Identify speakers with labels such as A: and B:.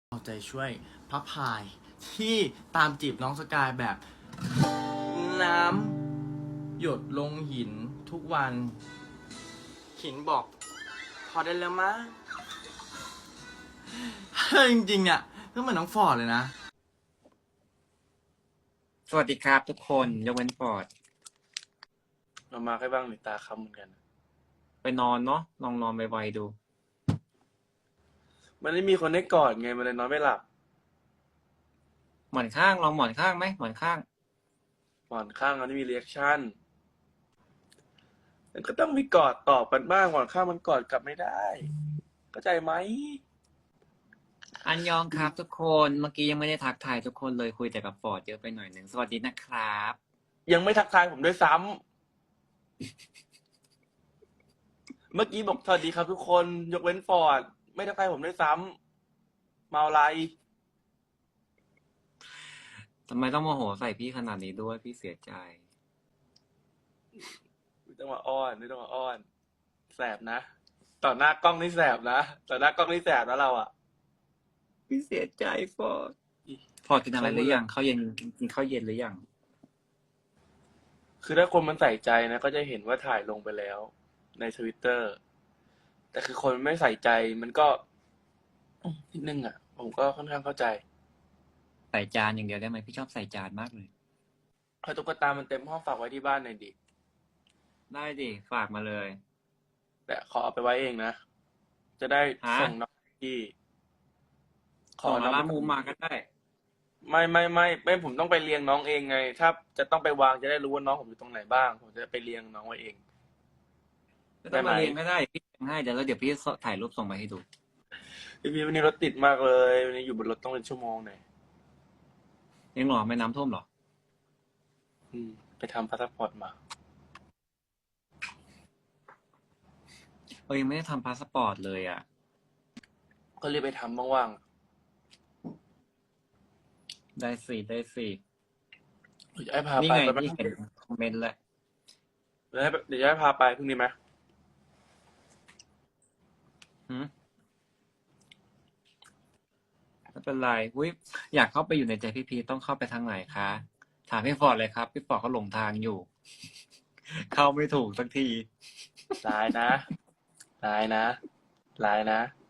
A: เอาใจช่วยพระพายที่ตามจีบน้องสกายแบบ น้ำหยดลงหินทุกวันหินบอก พอได้แล้วมั้งจริงๆเนี่ยก็เหมือนน้องฟอร์ดเลยนะ
B: สวัสดีครับทุกคนยกเว้นฟอร์ด
C: เรามาแค่บ้างหรือตาค้ำเหมือนกัน
B: ไปนอนเนาะลองนอนไวๆดู
C: มันไม่มีคนให้กอดไงมันเลยนอนไม่หลับ
B: หมอนข้างลองหมอนข้างไหมหมอนข้าง
C: หมอนข้างมันไม่มีเรีแอคชั่นมันก็ต้องมีกอดตอบกันบ้างหมอนข้างมันกอดกลับไม่ได้เข้าใจไหม
B: อันยองครับทุกคนเมื่อกี้ยังไม่ได้ทักทายทุกคนเลยคุยแต่กับฟอร์ดเยอะไปหน่อยหนึ่งสวัสดีนะครับ
C: ยังไม่ทักทายผมด้วยซ้ำเมื่อกี้บอกสวัสดีครับทุกคนยกเว้นฟอร์ดไม่ทักทายผมด้วยซ้ำเมาอะไร
B: ทำไมต้องโมโหใส่พี่ขนาดนี้ด้วยพี่เสียใจ
C: ไม่ต้องมาอ้อนไม่ต้องมาอ้อนแสบนะต่อหน้ากล้องนี่แสบนะต่อหน้ากล้องนี่แสบนะเราอะ
B: พี่เสียใจฟอร์ดฟอร์ดกินอะไรหรือยังข้าวเย็นกินข้าวเย็นหรือยัง
C: คือถ้าคนมันใส่ใจนะก็จะเห็นว่าถ่ายลงไปแล้วในทวิตเตอร์แต่คือคนไม่ใส่ใจมันก็นิดนึงอ่ะ ผมก็ค่อนข้างเข้าใจ
B: ใส่จานอย่างเดียวได้ไหมพี่ชอบใส่จานมากเลย
C: เอาตุ๊กตามันเต็มห้องฝากไว้ที่บ้านหน่อยดิ
B: ได้ดิฝากมาเลย
C: แต่ขอเอาไปไว้เองนะ จะได้
B: ฮะ
C: ส่งน้องที่ข
B: ข
C: อ
B: อ
C: น้อง
B: ร้านมูมาก็ได้
C: ไม่ผมต้องไปเรียงน้องเองไง ถ้าจะต้องไปวางจะได้รู้ว่าน้องผมอยู่ตรงไหนบ้าง ผมจะไปเรียงน้องไว้เอง
B: ไม่ต้องมาเรียนก็ได้พี่ทำให้เดี๋ยวพี่ถ่ายรูปส่งมาให้ดู
C: พี่วันนี้รถติดมากเลยวันนี้อยู่บนรถต้องเป็นชั่วโมงหน่อย
B: ยังหรอไม่น้ำท่วมหรอ
C: ไปทำพาสปอร์ตมา
B: ยังไม่ได้ทำพาสปอร์ตเลยอ่ะ
C: ก็รีบไปทำว่าง
B: ได้สิได้สิ
C: ๆเดี๋ยวให้พา
B: นี่
C: ไป
B: ไง
C: ไป
B: พี่เห็นคอมเมนต์แล้ว
C: เดี๋ยวให้พาไปพรุ่งนี้ไหม
B: ไม่เป็นไรอยากเข้าไปอยู่ในใจพี่ต้องเข้าไปทางไหนคะ ถามพี่ฟอร์ดเลยครับ พี่ฟอร์ดเขาหลงทางอยู่ เข้าไม่ถูกสักที
C: ร้ายนะร้ายนะร้ายนะ